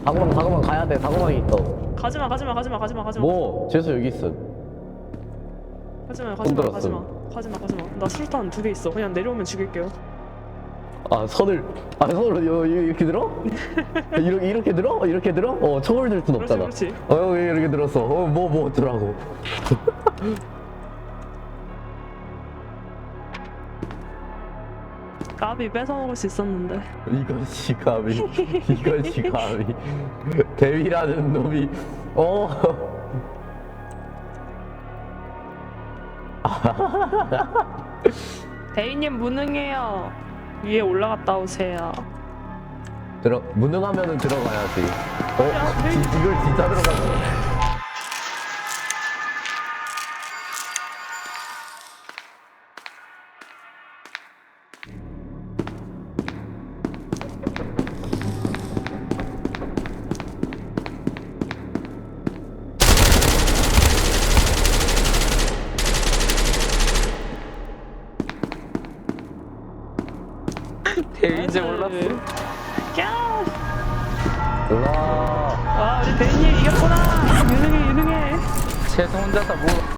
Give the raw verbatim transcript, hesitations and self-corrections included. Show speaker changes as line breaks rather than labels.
사고방 사고방 가야 돼. 사고방이 있어.
가지마 가지마 가지마 가지마 가지마.
뭐 재수 여기 있어.
가지마 가지마
손들었어.
가지마 가지마 가지마. 나 술탄 두 개 있어. 그냥 내려오면 죽일게요.
아 선을 아 선을 요, 요, 이렇게 들어? 이렇게 이렇게 들어? 이렇게 들어? 어 총을 들 순
그렇지
없잖아.
그렇지.
어 여기 이렇게 들었어. 어뭐 뭐 어쩌라고.
까비 뺏어 먹을 수 있었는데.
이것이 감히 이것이 감히 대위라는 놈이 어.
대인님 무능해요. 위에 올라갔다 오세요.
들어 무능하면은 들어가야지. 어
야,
지, 이걸 진짜 들어가는.
대인 이제 몰랐어. 야!
우와.
아 우리 대인님 이겼구나. 유능해 유능해.
최소 혼자서 뭐